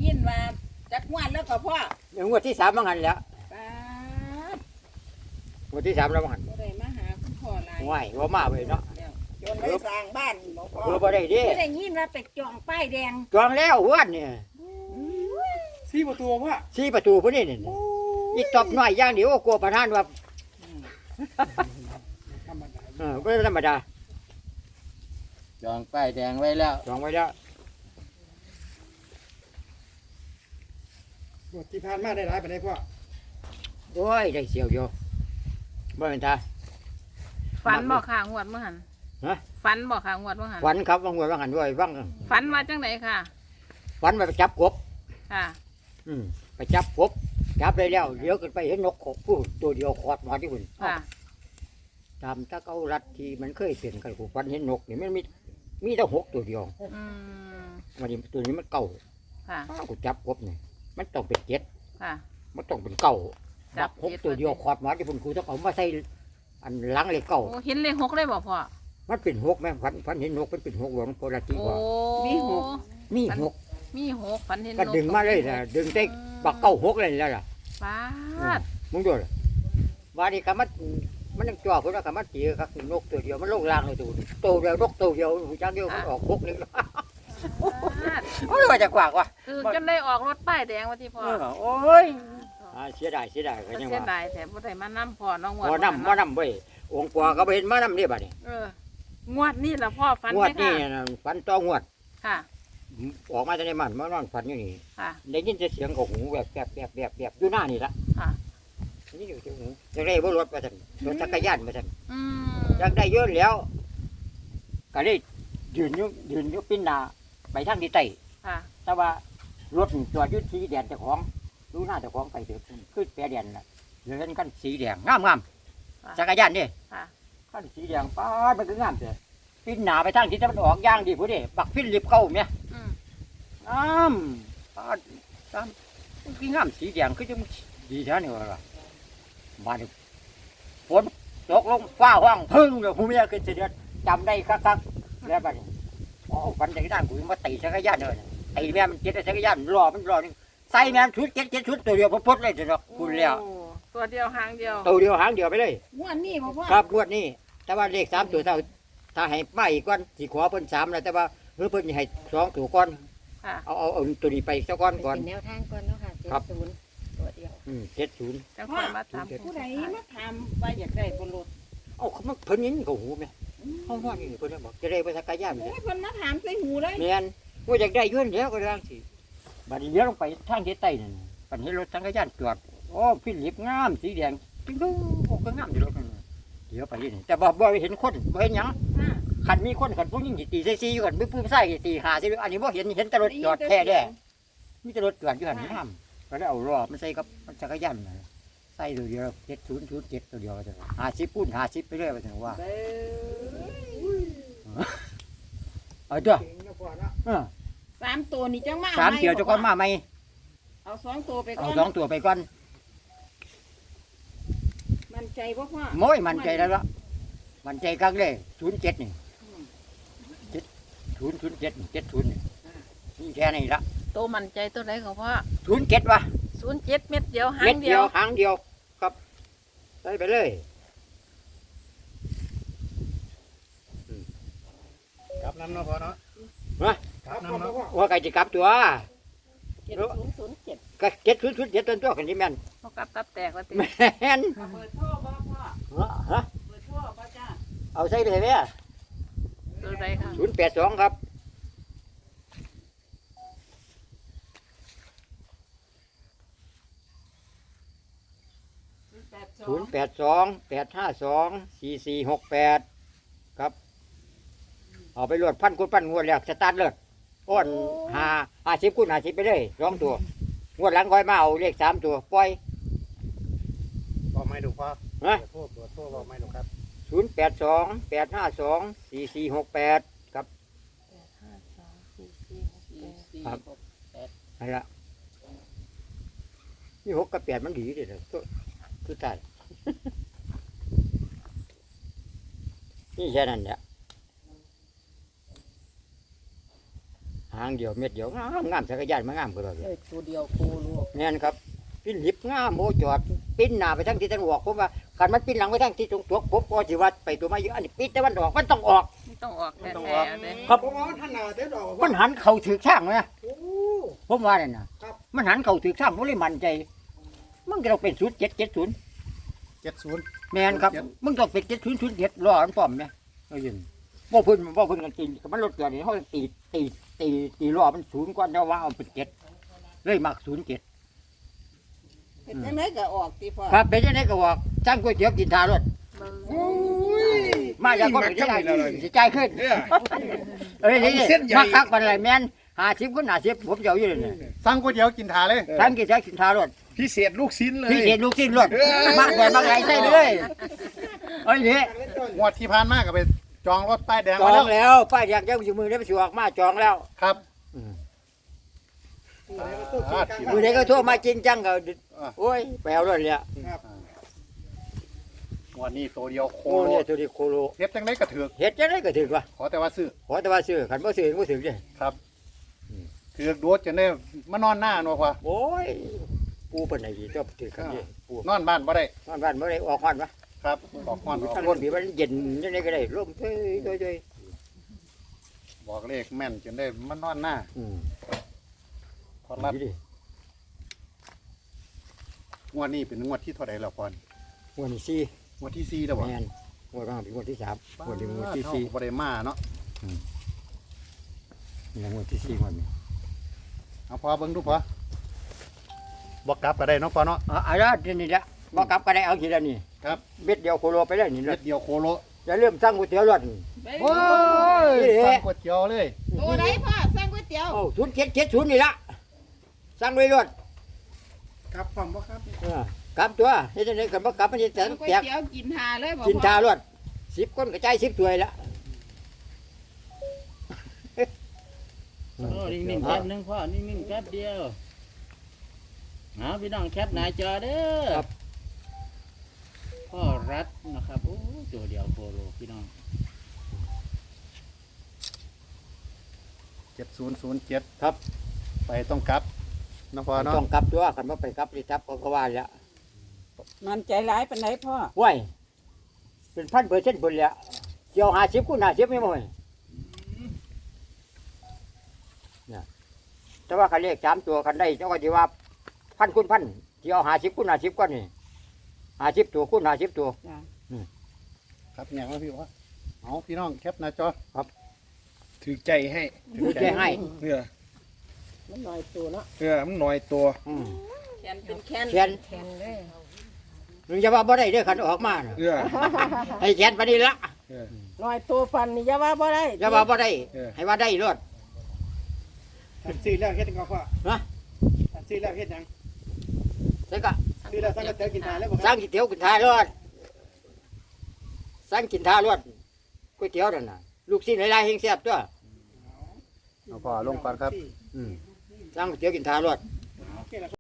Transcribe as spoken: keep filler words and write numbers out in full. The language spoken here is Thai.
ยินว่าจักงวดแล้วก็พ่อเดี๋ยวงวดที่สามบังหันแล้วป้างวดที่สามแล้วบังหันบ่ได้มาหาคุณพ่อหลายไหวว่ามาไปเนาะจนได้สร้างบ้านบ่พ่อเออบ่ได้ดิบ่ได้ยินว่าไปจองป้ายแดงจองแล้ววันเนี่ยสี่ประตูพ่อสี่ประตูพุ่นนี่นี่อีตบน้อยอย่างเดียวกลัวประธานว่าธรรมดาเออก็ธรรมดาจองป้ายแดงไว้แล้วจองไว้แล้วบทที่ผ่านมาได้หลายไปได้พ่อโอ้ยได้เสียวอยู่บ่เป็นตาฝันบอกค่ะงวดเมื่อหันฮะฝันบอกค่ะงวดเมื่อหันฝันครับบางวันบางหันด้วยบางฝันมาจังไหนค่ะฝันไปจับกบค่ะอืมไปจับกบจับได้แล้วเดี๋ยวขึ้นไปเห็นนกขบผู้ตัวเดียวขอดมาที่หุ่นค่ะตามถ้าเขารัดที่มันเคยเปลี่ยนกันกูฝันเห็นนกนี่มันมีมีแต่หกตัวเดียวอืมวันนี้ตัวนี้มันเก่าค่ะอ้าวกูจับกบนี่มันต้องเป็นเจ็ดค่ะมันต้องเป็นเก่าจัจับบหกเจ็ดตัวเดียวขอดมาที่พุ่นกูต้องเอามาใส่อันหลังเลยเก่าโอ้เห็นเลขหกเลยบอกพ่อมันเป็นหกแม่ฝันฝันเห็นนกมันเป็นหกหลวงโพลาติโอ้ว่ามีหกมีหกมีหกฝันเห็นก็ดึงมาเลยนะดึงได้ปักเก้าหกเลยแล้วล่ะป้าดมึงดูเลยว่านี่ก็มันมันยังจ่อคนละก็มันตีครับนกตัวเดียวมันลงล่างเลยตัวนี้ตัวเดียวนกตัวเดียวหูจังเดียวมันออกหกนี่ป้าดโอ้ยว่าจะกว่ากว่าคือจนได้ออกรถป้ายแดงวันที่พ่อเออโอ้ยอ่าเสียดายเสียดายก็ก็ยังเสียว่าดายแต่บ่ได้มานํพ่อน้องงวดบ่นำบ่นำเว้ยองค์กว่าก็ไปเห็นมานำนี่บัดนี้เอองวดนี่ล่ะพ่อฝันงไหวมดนี่ค่ะน่ะฝันต่องวดค่ะออกมาจากในมันมานอนฝันอยู่นี่ค่ะได้ยินแต่เสียงของหูแบบแบบแบบแบบแบบอยู่หน้านี่ละค่ะนี่อยู่ที่หูอยากได้บ่รถมาสั่นรถจักรยานมาสั่นอืมอยากได้เยอะแล้ว ก็เลยยืนอยู่ยืนอยู่ปิ้นหน้าไปทางที่ใต้ค่ะแต่ว่ารถจอดอยู่สีแดงเจ้าของดูหน้าเจ้าของไปเถอะขึ้นแปรแดงน่ะเดินกันสีแดงงามงามจักรยานนี่ค่ะกันสีแดงป้าดมันก็งามเถอะปิ้นหน้าไปทางที่ตะวันออกย่างดีผู้เด้บักฟิลิปเข้าเนี่ยอืมงามป้าดงามมันคืองามสีแดงคือจังดีแท้นี่ว่าล่ะบ้านนี้ฝนตกลงฟ้าห้องพึ่งเลยผู้เมียขึ้นเสียเดือนจำได้คักๆแล้วบ้านนี้โอ้ฝันจากด้านกูมาตีจักรยานเลยตีแม่มันเจ็ดจักรยานรอมันรอนี่ใส่แม่นชุดเจ็ดเจ็ดชุดตัวเดียวพดๆเลยเถอะคุณแล้วโอ้ตัวเดียวหางเดียวตัวเดียวหางเดียวไปเลยงวดนี้บ่พ่อครับงวดนี้แต่ว่าเลขสามตัวถ้าถ้าให้มาอีกก่อนสิขอเพิ่นสามแล้วแต่ว่าเฮ้ยเพิ่นสิให้สองตัวก่อนค่ะเอาเอาเอาตัวนี้ไปสักก่อนก่อนเป็นแนวทางก่อนเนาะค่ะเจ็ดครับศูนย์ตัวเดียวอืมเจ็ดศูนย์จังค่อยมาตามผู้ใดมาถามว่าอยากได้บ่รถเอ้าเขามาเพิ่นยินกับหูไหมห้องห้องนี่เพิ่นบอกจะได้ไปสักกายานโอ้เลยยเพิ่นมาถามใส่หูเลยแม่นว่าอยากได้อยื่นแล้วก็ร่างสิบัดนี้เลี้ยวลงไปทางทิศใต้นั่นปันเห็นรถสังกายานจอดโอ้ฟิลิปงามสีแดงจริงดูโอ้ก็งามอยู่รถนั่นน่ะเดี๋ยวไปนี่แต่บ่บ่เห็นคนบ่เห็นหยังค่ะคันมีคนคันพวกยิ่งสิตีใส่ซีอยู่กันมีผู้ชายสิตีหาซิอันนี้บ่เห็นเห็นแต่รถจอดแค่แด้มีแต่รถจอดอยู่หั่นงามก็ได้เอารอบมันใส่กับจักรยานน่ะใส่ตัวเดียวเจ็ดศูนย์ศูนย์เจ็ดตัวเดียวก็จะห้าสิบปุ่นห้าสิบไปเรื่อยไปถึงว่าเบ้อเอาตัวเก่งนะพ่อเนาะเออสามตัวนี่จังมาสามเดียวเจะก้อนมาไหมเอาสองตัวไปก่เอาอนสองตัวไปก่อนมันใจบ่พ่อโม้ยมันใจแล้วละมันใจกักเลยศูนย์เจ็ดนี่เจ็ดศูนย์ศูนย์เจ็ดเจ็ดศูนย์นี่นี่แค่นี้ละโตมั่นใจตัวไหนของพ่อศูนย์เจ็ดวะศูนย์เจ็ดเม็ดเดียวหาเม็ดงเดีเดียยว วหางเดียวครับใส่ไปเลยกลับน้ำเนาะพ่อเนาะฮะกลับน้ำเนาะพ่อว่าไก่จะกลับตัวเจ็ดศูนย์ศูนย์เจ็ดก็เจ็ดศูนย์ศูนย์เจ็ดต้นตัวกันที่แม่นพอกลับตับแตกว่าติแม่นเปิดท่อบ่พ่อฮะฮะเปิดท่อบ่จ้าเอาใส่เลยไหมตัวใดค่ะศูนย์แปดสองครับแปดสอศูงนย์แปดสองแปดห้าสองสี่สี่หกแปดครับเอาไปรวดพันกุนพันงวดแล้วสตาร์ทเลยอ้อนหาหาสิบกุนหาสิบไปเลยสองตัวงวดหลังคอยมาเอาเลขสามตัวปล่อยบอกไม่ดูพ่อฮะเปิดโทษเปิดโทษบอกไม่ดูครับศูนย์แปดสองแปดห้าสองสี่สี่หกแปดครับห้าสองสี่สี่หกสี่แปดสี่ครับหกแปดนั่นละนี่หกกับแปดมันดีเลยตัวตัวตาย นี่แค่นั้นแหละหางเดียวเม็ดเดียวงามงามจักรยานมางามกว่าเลยเลยตัวเดียวโคโลแม่นครับปิ้นลิบงามโมจอดปิ้นหน้าไปทางทิศตะวันออกผมว่าคันมันปิ้นหลังไปทางทิศตรงตัวผมก็สิว่าไปตัวมาเยอะอันนี้ปิ้นตะวันออกมันต้องออกมันต้องออกแท้ๆเลยครับผมว่าท่านหนาเต็มดอกมันหันเข่าถือช่างเลยนะโอ้ผมว่าเนี่ยนะครับ มันหันเข่าถือช่างผมเลยมั่นใจมันก็ต้องเป็นศูนย์เจ็ดเจ็ดศูนย์เจ็ดศูนย์แม่นครับมึงต้องเป็นเจ็ดศูนย์ศูนย์เจ็ดรออันป้อมเนี่ยเอายินบ่เพิ่นบ่เพิ่นกันตีมันรถเกิดนี่เขาตีตีตีตีรอมันศูนย์กว่าเดี๋ยวว่าเอาเป็นเจ็ดเลยมักศูนย์เจ็ดเป็นจังไดก็ออกติพ่อครับเป็นยังไงก็บอกจ้างก๋วยเตี๋ยวกินทารถโอ้ยมาจากก็ไม่ได้สิใจายขึ้นเนี่ยเอ้ยนี่เอาเส้นใหญ่มาคักปานไรแม่นห้าสิบคนห้าสิบผมจะเอาอยู่เลยเนี่ยสั่งก๋วยเตี๋ยวกินถาเลยทั้งกินแท็กกินทารถพิเศษลูกชิ้นเลยพี่เสียลูกสิ้นรถมากกว่ามากไรใส่ไปเลยเอ้ยนี่งวดที่ผ่านมาก็ไปจองรถป้ายแดงจมาอแล้งวแล้วป้ายอยากจะอยู่มือได้ไปสิออกมาจองแล้วครับมือไหนก็โทรมาจริงจังก็โอ้ยไปเอารถเลยงวดนี้ตัวเดียวโคโอ้โลเนี่ยตัวนี้โคโลเฮ็ดจังได๋ก็ถือกเฮ็ดจะได้ก็ถึกว่ะขอแต่ว่าซื้อขอแต่ว่าซื้อขันบ่ซื้อบ่ถึกเด้ครับถือกโดดจนได้มานอนหน้าเนาะพ่อโอ้ยปูเพิ่นไหนดีต้องถึกกันนี่ปูนอนบ้านบ่ได้นอนบ้านบ่ได้ออกฮ้อนวะครับบอกก่อนออกทั้งรคถนที่มันเย็นจังได๋ก็ได้ลมเฮ้ยเฮ้ยบอกเลขแม่นจนได้มานอนหน้าอืมพอรับดีดิงวดนี้เป็นงวดที่เท่าใดแล้วพ่อวันที่สี่งวดที่สี่แล้วบ่แม่นงวดว่างเป็นงวดที่สามงวดนี้งวดที่สี่บ่ได้มาเนาะนี่งวดที่สี่งวดนี้เอาพอเบิ่งดูพอบ่กลับก็ได้เนาะพ่อเนาะอ่ะอ่ะแล้วทีนี้ละบ่กลับก็ได้เอาทีละนี่ครับเม็ดเดียวโคโลไปเลยนี่รเม็ถดเดียวโคโลจะเริ่มสร้างก๋วยเตี๋ยวรถโอ้ยนี่แหละสั่งก๋วยเตี๋ยวเลยตัวไหนพ่อสั่งก๋วยเตี๋ยวโอ้ศูนย์เจ็ดเจ็ดศูนย์นี่ละสร้างไว้รถครับพร้อมบ่ครับเออกลับตัวเฮ็ดจังได๋กันบ่กลับมันจะแตสั่กงก๋วยแตกเตี๋ยวกินหาเลยบ่กินทารถสิบคนก็จ่ายสิบถ้วยละโอ้นิ่งๆแป๊บนึงพ่อนิ่งๆแป๊บเดียวหาพี่น้องแคปหน้าจอเด้อพ่อรัฐนะครับโอ้ตัวเดียวโคโลพี่น้องเจ็ดศูนย์ศูนย์เจ็ดครับไปต้องกลับเนาะพ่อเนาะต้องกลับตัวคันบ่ไปกลับนี่ทับก็ก็ว่าแล้วมันใจร้ายปานไหนพ่อห้วยเป็นพันเปอร์เซ็นต์พุ่นแล้วเกี่ยวห้าสิบคูณห้าสิบไม่บ่ยเนี่ยแต่ว่าคันเลขสามตัวคันได้เจ้าก็สิว่าพันคูณพันเกี่ยวห้าสิบคูณห้าสิบก็นี่ห้าสิบตัวคูณห้าสิบตัวจ้ะครับอย่างว่าพี่ว่าเอาพี่น้องแคปหน้าจอครับถือใจให้ถือใจให้เนื้อมันน้อยตัวเนาะเนื้อมันหน่อยตัวอืมแขนเป็นแขนแขนแขนเลยมึงจะว่าบ่ได้เด้อคันออกมาน่ะเนื้อให้แขนปานนี้ละน้อยตัวฟันนี่อย่าว่าบ่ได้อย่าว่าบ่ได้เออให้ว่าได้รอดอันซื้อแล้วเฮ็ดจังก็พ่อฮะอันซื้อแล้วเฮ็ดหยังใช่ก็ซื้อแล้วสั่งก๋วยเตี๋ยวกินทานแล้วบ่สร้างก๋วยเตี๋ยวกินทารอดสร้างกินทารอดก๋วยเตี๋ยวนั่นน่ะลูกชิ้นหลายๆแห่งแซ่บตัวเอาพ่อลงก่อนครับอืมสร้างก๋วยเตี๋ยวกินทารอด